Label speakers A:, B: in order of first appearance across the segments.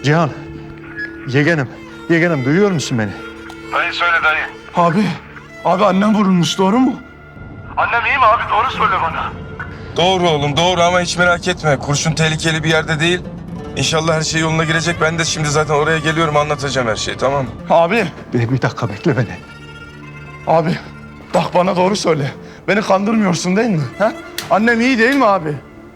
A: Cihan, yeğenim, yeğenim duyuyor musun beni?
B: Dayı söyle dayı.
C: Abi annem vurulmuş, doğru mu?
B: Annem iyi mi abi? Doğru söyle bana.
D: Doğru oğlum doğru ama hiç merak etme. Kurşun tehlikeli bir yerde değil. İnşallah her şey yoluna girecek. Ben de şimdi zaten oraya geliyorum, anlatacağım her şeyi, tamam mı?
C: Abi,
A: Bir dakika bekle beni.
C: abi. Bak bana doğru söyle. Beni kandırmıyorsun değil mi? Ha? Annem iyi değil mi abi?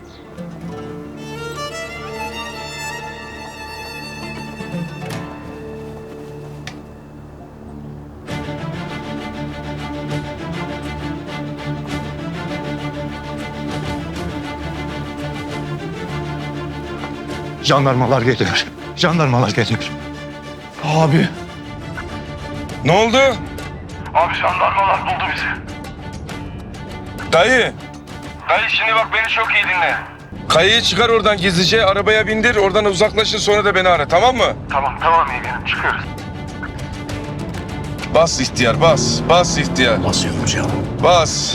A: Jandarmalar geliyor. Jandarmalar geliyor.
C: Abi.
D: Ne oldu?
B: Abi jandarmalar buldu bizi.
D: Dayı,
B: Dayı şimdi bak beni çok iyi dinle.
D: kayayı çıkar oradan gizlice, arabaya bindir, oradan uzaklaşın, sonra da beni ara, tamam mı?
B: Tamam yeğenim çıkıyoruz.
D: Bas ihtiyar, bas. Bas ihtiyar.
A: Basıyorum Cihan.
D: Bas.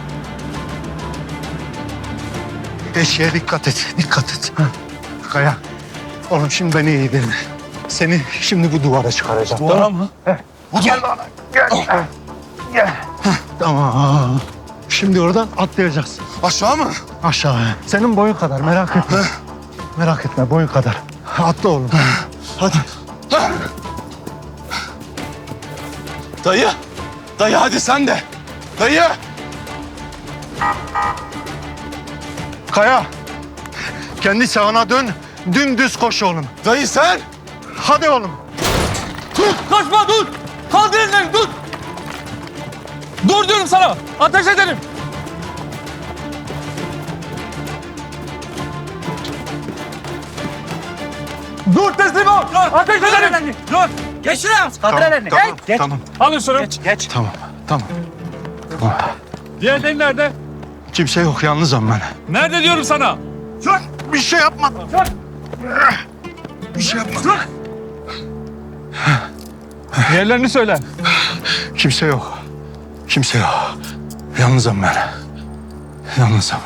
A: Eşeğe dikkat et, dikkat et. Kaya, oğlum şimdi beni iyi dinle. Seni şimdi bu duvara çıkaracağım.
C: Bu ara mı?
A: Gel bana, gel. Gel. Tamam. Şimdi oradan atlayacaksın.
C: Aşağı mı?
A: Aşağı. Senin boyun kadar, merak etme. Merak etme, boyun kadar. Atla oğlum. Hadi.
C: Dayı. Dayı hadi sen de. Dayı.
A: Kaya, kendi sağına dön, dümdüz koş oğlum.
C: Dayı sen.
A: Hadi oğlum.
E: Kaçma dur! Kaldır ellerini dur! Dur diyorum sana! Ateş ederim! Dur teslim ol! Ateş ederim! Dur!
F: Geç şuraya. Kaldır ellerini.
A: Tamam,
F: Geç.
A: tamam,
E: Alın şunu.
F: Geç.
A: tamam, tamam.
E: Diğerleri nerede?
A: Kimse yok, yalnızım ben.
E: Nerede diyorum sana?
A: Bir şey yapmadım. Bir şey yapmadım.
E: Diğerlerini söyle.
A: Kimse yok. Kimse yok. Yalnızım ben. Yalnızım.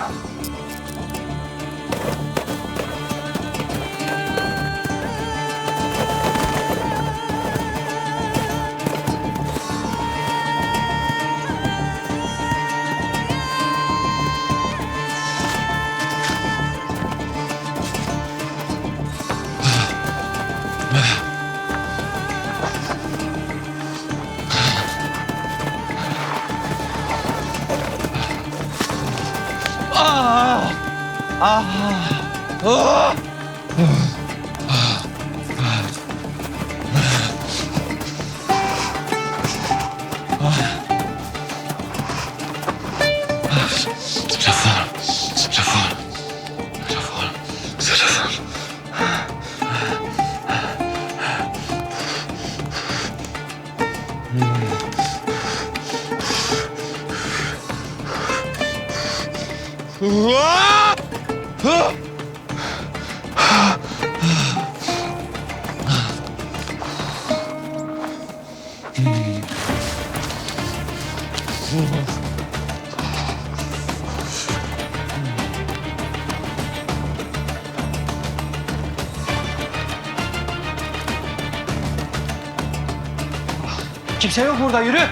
F: Kimse yok burada, yürü.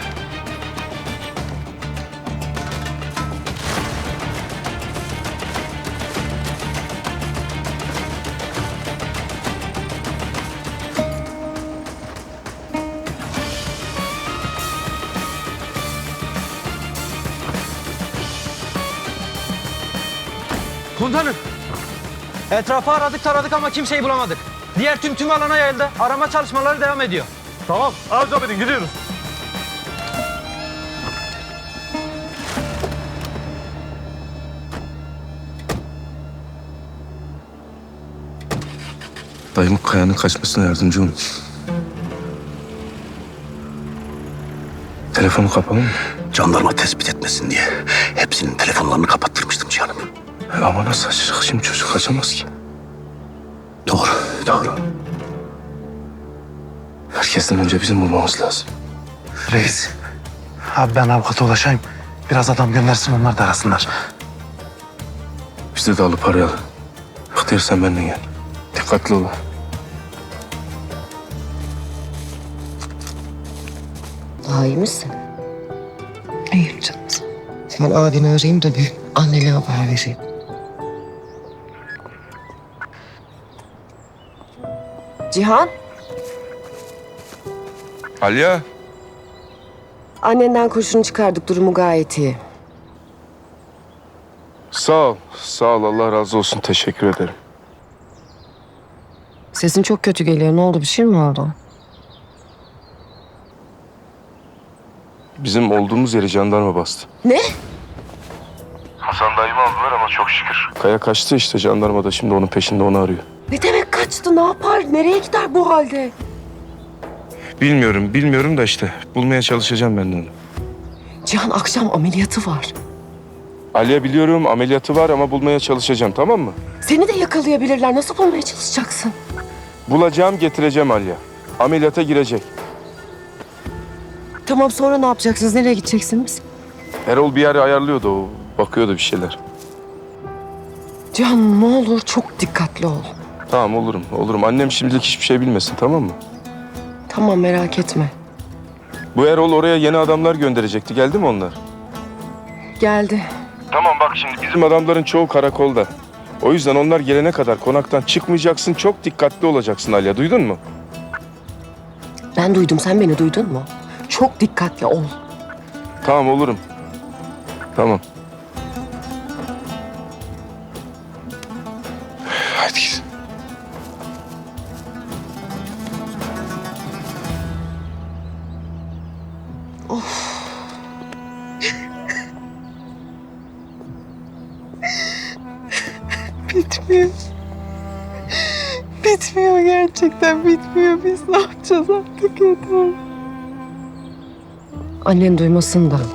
E: Komutanım.
F: Etrafı aradık taradık ama kimseyi bulamadık. Diğer tüm alana yayıldı. Arama çalışmaları devam ediyor.
E: Tamam. Arzu edin gidiyoruz.
D: Dayım Kaya'nın kaçmasına yardımcı olun. Telefonu kapalı mı?
G: Jandarma tespit etmesin diye hepsinin telefonlarını kapattırmıştım canım.
D: Ama nasıl açacak şimdi, çocuk kaçamaz ki.
G: Doğru, doğru.
D: Herkesten önce bizim bulmamız lazım.
A: Reis. Abi ben avukata ulaşayım. Biraz adam göndersin, onlar da arasınlar.
D: Biz de alıp arayalım. İhtiyar sen benimle gel. Dikkatli olun.
H: Daha iyi misin?
I: İyiyim canım.
H: Ben abini arayayım da bir annene haber vereyim. Cihan,
D: Aliye.
H: annenden kurşunu çıkardık. Durumu gayet iyi.
D: Sağ ol. Sağ ol. Allah razı olsun. Teşekkür ederim.
H: Sesin çok kötü geliyor. Ne oldu? Bir şey mi oldu?
D: Bizim olduğumuz yeri jandarma bastı.
H: Ne?
B: Hasan dayımı aldılar ama çok şükür.
D: Kaya kaçtı işte, jandarma da şimdi onun peşinde, onu arıyor.
H: Ne demek kaçtı? Ne yapar? Nereye gider bu halde?
D: Bilmiyorum da işte bulmaya çalışacağım ben de onu.
H: Cihan akşam ameliyatı var.
D: Aliye biliyorum, ameliyatı var ama bulmaya çalışacağım, tamam mı?
H: Seni de yakalayabilirler. Nasıl bulmaya çalışacaksın?
D: Bulacağım, getireceğim Aliye. Ameliyata girecek.
H: Tamam, sonra ne yapacaksınız? Nereye gideceksiniz?
D: Erol bir yere ayarlıyordu, o bakıyordu bir şeyler.
H: Cihan ne olur çok dikkatli ol.
D: Tamam, olurum. Annem şimdilik hiçbir şey bilmesin, tamam mı?
H: Tamam, merak etme.
D: Bu Erol oraya yeni adamlar gönderecekti. Geldi mi onlar?
H: Geldi.
D: Tamam bak şimdi bizim adamların çoğu karakolda. O yüzden onlar gelene kadar konaktan çıkmayacaksın. Çok dikkatli olacaksın Aliye. Duydun mu?
H: Ben duydum. Sen beni duydun mu? Çok dikkatli ol.
D: Tamam, olurum. Tamam. Hadi git.
I: Bitmiyor. Bitmiyor, gerçekten bitmiyor. Biz ne yapacağız artık, yeter.
H: Annen duymasın da.